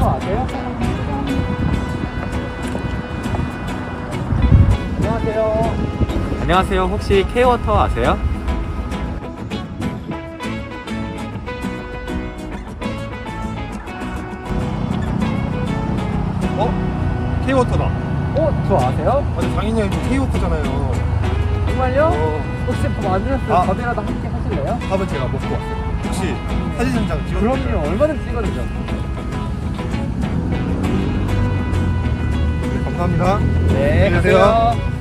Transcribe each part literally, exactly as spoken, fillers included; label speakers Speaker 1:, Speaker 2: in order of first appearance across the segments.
Speaker 1: K워터 아세요? 안녕하세요. 안녕하세요. 혹시 K워터 아세요?
Speaker 2: 어? K워터다.
Speaker 1: 어? 저 아세요?
Speaker 2: 아니 장인이 형이 K워터잖아요.
Speaker 1: 정말요?
Speaker 2: 어.
Speaker 1: 혹시 밥 안 드셨어요?
Speaker 2: 아.
Speaker 1: 밥이라도 함께 하실래요?
Speaker 2: 밥은 제가 먹고 왔어요. 혹시 사진 한 장 찍어주세요.
Speaker 1: 그럼요. 얼마든지 찍어주죠.
Speaker 2: 네, 감사합니다.
Speaker 1: 네,
Speaker 2: 안녕하세요.
Speaker 1: 가세요.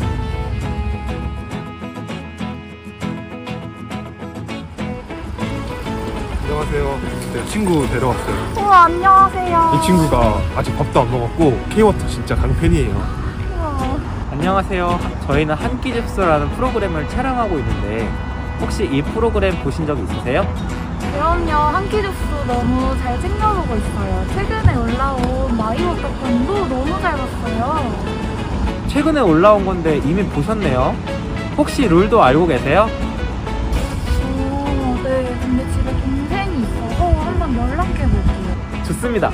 Speaker 2: 안녕하세요. 네, 친구 데려왔어요.
Speaker 3: 우와, 안녕하세요.
Speaker 2: 이 친구가 아직 밥도 안 먹었고 K워터 진짜 강팬이에요.
Speaker 3: 우와.
Speaker 1: 안녕하세요. 저희는 한 끼 집수라는 프로그램을 촬영하고 있는데 혹시 이 프로그램 보신 적 있으세요?
Speaker 3: 그럼요. 한끼주스 너무 잘 챙겨보고 있어요. 최근에 올라온 마이워터편도 너무 잘 봤어요.
Speaker 1: 최근에 올라온 건데 이미 보셨네요. 혹시 룰도 알고 계세요?
Speaker 3: 오, 네. 근데 집에 동생이 있어서 한번 연락해볼게요.
Speaker 1: 좋습니다.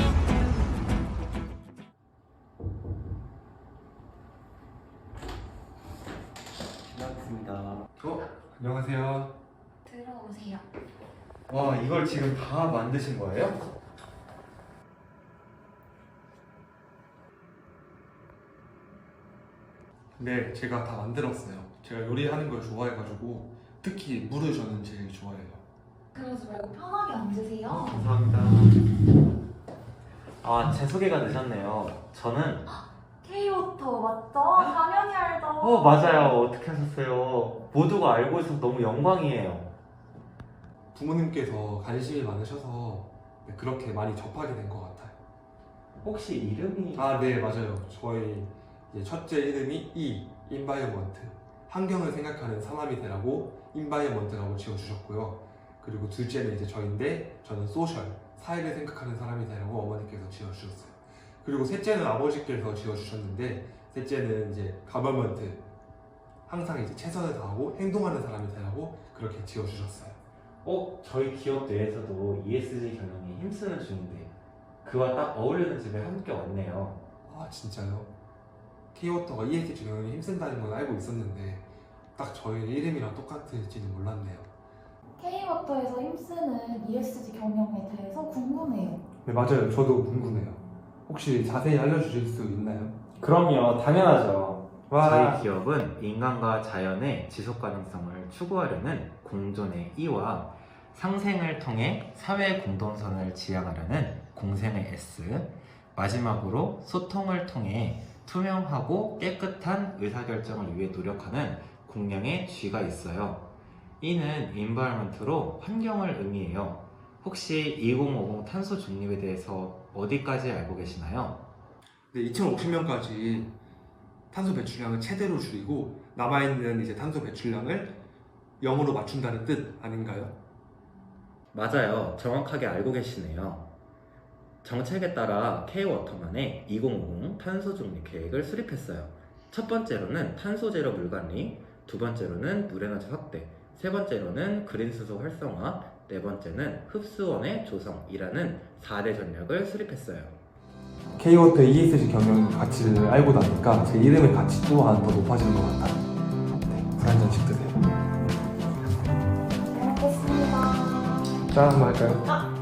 Speaker 1: 반갑습니다.
Speaker 2: 어? 안녕하세요.
Speaker 3: 들어오세요.
Speaker 1: 와, 이걸 지금 다 만드신 거예요?
Speaker 2: 네, 제가 다 만들었어요. 제가 요리하는 걸 좋아해가지고 특히 물을 저는 제일 좋아해요.
Speaker 3: 그러지 말고 편하게 앉으세요.
Speaker 1: 감사합니다. 아, 제 소개가 늦었네요. 저는
Speaker 3: K워터 맞죠? 당연히 알죠.
Speaker 1: 어, 맞아요. 어떻게 하셨어요? 모두가 알고 있어서 너무 영광이에요.
Speaker 2: 부모님께서 관심이 많으셔서 네, 그렇게 많이 접하게 된 것 같아요.
Speaker 1: 혹시 이름이
Speaker 2: 아, 네, 맞아요. 저희 이제 첫째 이름이 이, 인바이어먼트. 환경을 생각하는 사람이 되라고 인바이어먼트라고 지어주셨고요. 그리고 둘째는 이제 저인데 저는 소셜, 사회를 생각하는 사람이 되라고 어머니께서 지어주셨어요. 그리고 셋째는 아버지께서 지어주셨는데 셋째는 이제 가버먼트, 항상 이제 최선을 다하고 행동하는 사람이 되라고 그렇게 지어주셨어요.
Speaker 1: 어, 저희 기업 내에서도 이에스지 경영에 힘쓰는 중인데 그와 딱 어울리는 집에 함께 왔네요.
Speaker 2: 아, 진짜요? K워터가 이에스지 경영에 힘쓴다는 건 알고 있었는데 딱 저희 이름이랑 똑같을지는 몰랐네요.
Speaker 3: K워터에서 힘쓰는 이에스지 경영에 대해서 궁금해요.
Speaker 2: 네, 맞아요. 저도 궁금해요. 혹시 자세히 알려주실 수 있나요?
Speaker 1: 그럼요, 당연하죠.
Speaker 2: 와.
Speaker 1: 저희 기업은 인간과 자연의 지속 가능성을 추구하려는 공존의 이와 상생을 통해 사회 공동선을 지향하려는 공생의 S, 마지막으로 소통을 통해 투명하고 깨끗한 의사결정을 위해 노력하는 공명의 G가 있어요. E는 인바이러먼트로 환경을 의미해요. 혹시 이천오십 탄소 중립에 대해서 어디까지 알고 계시나요?
Speaker 2: 네, 이천오십 년까지 탄소 배출량을 최대로 줄이고 남아있는 이제 탄소 배출량을 영으로 맞춘다는 뜻 아닌가요?
Speaker 1: 맞아요. 정확하게 알고 계시네요. 정책에 따라 K워터만의 이천오십 탄소 중립 계획을 수립했어요. 첫 번째로는 탄소 제로 물 관리, 두 번째로는 물 에너지 확대, 세 번째로는 그린 수소 활성화, 네 번째는 흡수원의 조성이라는 사 대 전략을 수립했어요.
Speaker 4: K워터 이에스지 경영 가치를 알고 나니까 제 이름의 가치 또한 더 높아지는 것 같아요. 네, 물 한 잔씩 드세요.
Speaker 3: 잘 먹겠습니다.
Speaker 4: 짠 한번 할까요?
Speaker 3: 아,